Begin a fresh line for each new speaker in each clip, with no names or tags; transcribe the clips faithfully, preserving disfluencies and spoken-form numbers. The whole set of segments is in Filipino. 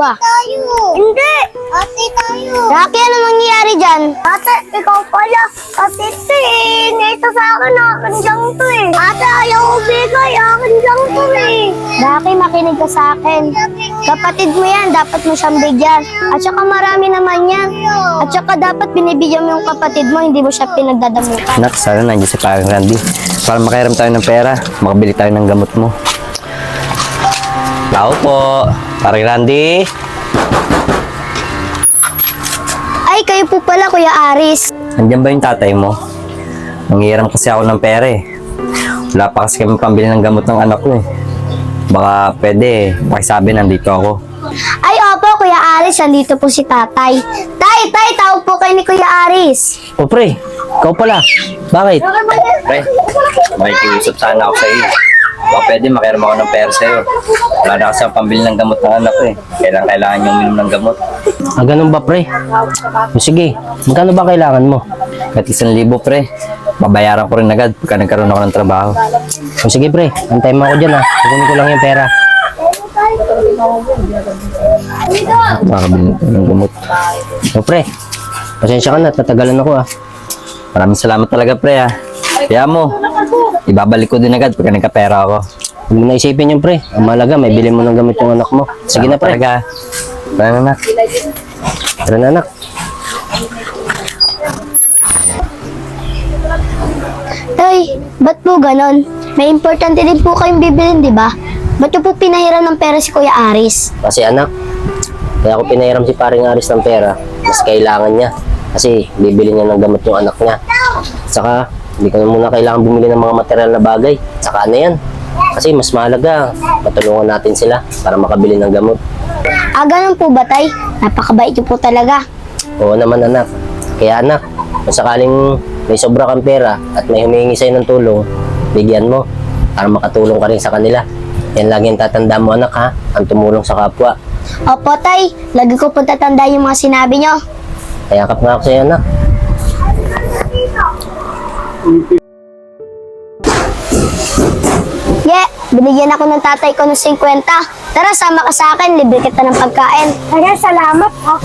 dalawa.
Tayo. Hindi. Ate tayo.
Rocky, ano nangyayari dyan?
Ate, ikaw pala. Ate, ito eh. Nito sa akin, akin lang to eh. Ate, ayaw ko bigay. Akin lang to eh.
Rocky, makinig ka sa akin. Kapatid mo yan, dapat mo siyang bigyan. At saka marami naman yan. At saka dapat binibigyan mo yung kapatid mo, hindi mo siya pinagdadamutan.
Anak, sana nandiyan si parang Randy. Para makairam tayo ng pera, makabili tayo ng gamot mo. Tao po, parang Randy.
Ay, kayo po pala, Kuya Aris.
Nandiyan ba yung tatay mo? Nangihiram kasi ako ng pera eh. Wala pa kasi kami pambili ng gamot ng anak ko eh. Baka pwede, pakisabi nandito ako.
Ay, opo, Kuya Aris, nandito po si tatay. Tay, tay, tawag po kayo ni Kuya Aris.
O pre, ikaw pala. Bakit? Pre, makikiusap sana ako sa iyo. Baka pwede makiram ako ng pera sa'yo. Wala na kasi ang pambili ng gamot ng anak ko eh. Kailangan kailangan yung minum ng gamot.
Ah, ganun ba, pre? O, sige, magkano ba kailangan mo?
At isang libo pre, babayaran ko rin agad pagka nagkaroon ako ng trabaho.
O, sige, pre, antayin mo ako dyan, ha. Kukunin ko lang yung pera.
Makakabili ng gamot.
O, pre, pasensya ka na, tatagalan ako, ha.
Maraming salamat talaga pre ha. Kaya mo, ibabalik ko din agad pagka nagkapera ako.
Huwag mo na isipin yun, pre. Ang mahalaga, may bilhin mo ng gamit yung anak mo. Sige na, pre.
Talaga. Tara na.
Tara na, anak.
Tay, ba't po ganon? May importante din po kayong bibilin, di ba? Ba't niyo po pinahiram ng pera si Kuya Aris?
Kasi, anak, kaya ako pinahiram si paring Aris ng pera. Mas kailangan niya. Kasi, bibili niya ng gamot yung anak niya. Saka, hindi ko na muna kailangan bumili ng mga material na bagay. Saka ano yan? Kasi mas mahalaga, matulungan natin sila para makabili ng gamot.
Ah, ganun po ba, tay? Napakabait niyo po talaga.
Oo naman, anak. Kaya, anak, kung sakaling may sobra kang pera at may humihingi sa'yo ng tulong, bigyan mo para makatulong ka rin sa kanila. Yan lagi ang tatanda mo, anak, ha? Ang tumulong sa kapwa.
Opo, tay. Lagi ko po tatanda yung mga sinabi niyo.
Kaya kap nga ako sa'yo, anak.
Yeah, binigyan ako ng tatay ko ng fifty. Tara, sama ka sa akin. Libre kita ng pagkain.
Tara, salamat ha.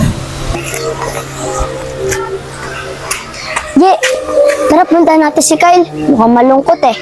Yeah, tara, punta natin si Kyle. Mukhang malungkot eh.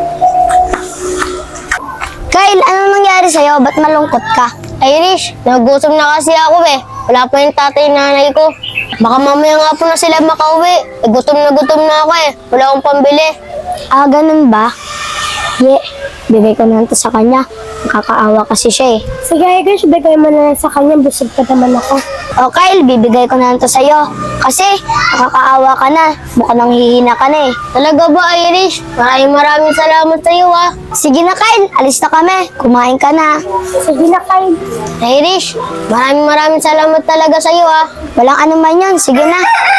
Kyle, anong nangyari sa'yo? Ba't malungkot ka?
Irish, nagugutom na kasi ako eh. Wala pa yung tatay nanay ko. Baka mamaya nga po na sila makauwi. Eh, gutom na gutom na ako eh. Wala akong pambili.
Ah, ganun ba? Yeah, bigay ko na lang to sa kanya. Nakakaawa kasi siya eh.
Sige, Irish, bigay mo na lang sa kanya. Busog pa naman ako.
O Kyle, bibigay ko na lang to sa'yo. Kasi nakakaawa ka na. Mukhang nanghihina ka na eh.
Talaga ba, Irish? Maraming maraming salamat sa iyo ah.
Sige na Kyle, alis na kami. Kumain ka na.
Sige na, Kyle.
Irish, maraming maraming salamat talaga sa iyo ah.
Walang anuman yan. Sige na.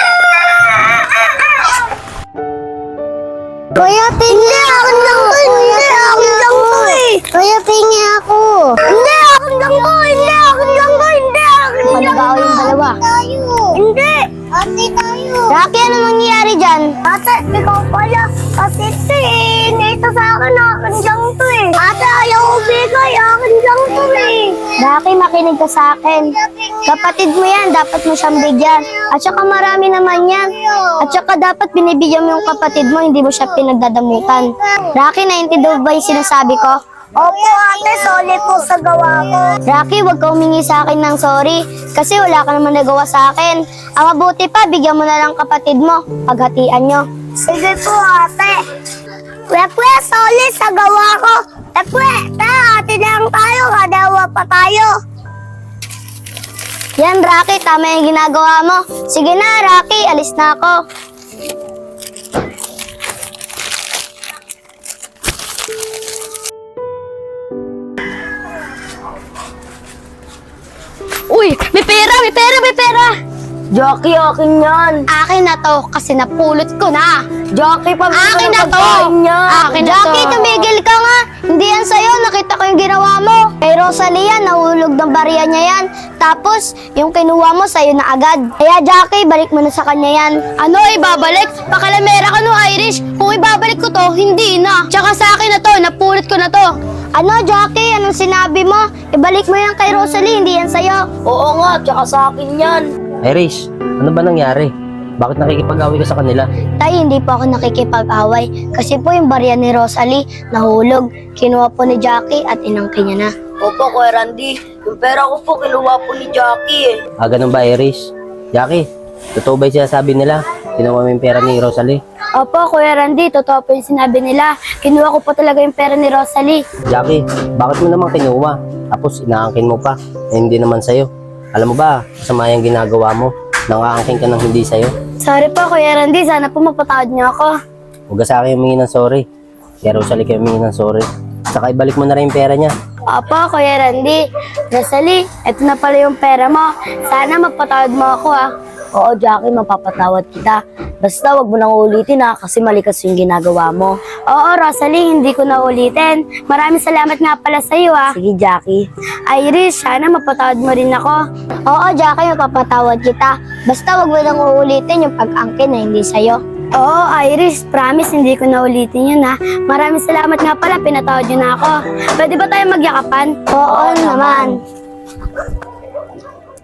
Kuya, pingi akin lang to. Hindi, akin lang to eh.
Kuya, pingi ako.
Hindi, akin lang to. Hindi, akin lang to. Hindi, akin lang
Managaw yung dalawa.
tayo. Hindi. Ate tayo.
Rocky, ano nangyayari dyan?
Ate, ikaw pala. Ate, ito eh. Nito sa akin, akin lang to eh. Ate, ayaw ko bigay. Akin lang to eh.
Rocky, makinig ka sa akin. Kapatid mo yan, dapat mo siyang bigyan. At saka marami naman yan. At saka dapat binibigyan mo yung kapatid mo, hindi mo siya pinagdadamutan. Rocky, naiintindihan ba yung sinasabi ko?
Opo, ate. Sorry po sa gawa ko.
Rocky, huwag ka humingi sa akin ng sorry. Kasi wala ka naman nagawa sa akin. Ang mabuti pa, bigyan mo na lang kapatid mo. Paghatian nyo.
Sige po, ate. Kuya, kuya, sorry sa gawa ko. Eh, kuya, tara, ate lang tayo. Kadawa pa tayo.
Yan, Rocky, tama yung ginagawa mo. Sige na, Rocky, alis na ako.
Uy, may pera, may pera, may pera!
Jockey, akin yan. Akin na to kasi napulot ko na. Jockey, pa
Akin na to! Akin na
Jockey,
to!
tumigil ka nga. Hindi yan sa'yo. Nakita ko yung ginawa mo. Kay Rosalia, nahulog ng bariya niya yan. Tapos, yung kinuha mo sa'yo na agad. Kaya, Jockey, balik mo na sa kanya yan.
Ano, ibabalik? Pakalamera ka no, Irish. Kung ibabalik ko to, hindi na. Tsaka sa akin na to, napulot ko na to.
Ano, Jackie? Anong sinabi mo? Ibalik mo yan kay Rosalie, hindi yan sa'yo.
Oo nga, tsaka sa akin yan.
Iris, ano ba nangyari? Bakit nakikipag-away ka sa kanila?
Tay, hindi po ako nakikipag-away. Kasi po yung barya ni Rosalie, nahulog. Kinuha po ni Jackie at inangkin niya na.
Opo, Kuya Randy. Yung pera ko po, kinuha po ni Jackie eh.
Ah, ganun ba, Iris? Jackie, totoo ba yung sinasabi nila? Kinuha mo yung pera ni Rosalie?
Opo, Kuya Randy, totoo po yung sinabi nila. Kinuha ko po talaga yung pera ni Rosalie.
Jackie, bakit mo naman kinuha? Tapos inaangkin mo pa, eh, hindi naman sa'yo. Alam mo ba, masama yung ginagawa mo. Nangaangkin ka ng hindi sa'yo.
Sorry po, Kuya Randy. Sana po mapatawad niyo ako.
Huwag ka sa akin humingi ng sorry. Kaya Rosalie kayo humingi ng sorry. Saka ibalik mo na rin yung pera niya.
Opo, Kuya Randy. Rosalie, eto na pala yung pera mo. Sana mapatawad mo ako, ha.
Oo, Jackie, mapapatawad kita. Basta wag mo nang ulitin ha, kasi mali kasi yung ginagawa mo.
Oo, Rosalie, hindi ko na ulitin. Maraming salamat nga pala sa iyo, ha.
Sige, Jackie.
Iris, sana mapatawad mo rin ako. Oo, Jackie, mapapatawad kita. Basta wag mo nang uulitin yung pag-angkin na hindi sa'yo. Oo, Iris, promise hindi ko na ulitin yun, ha. Maraming salamat nga pala, pinatawad yun na ako. Pwede ba tayo magyakapan? Oo, naman.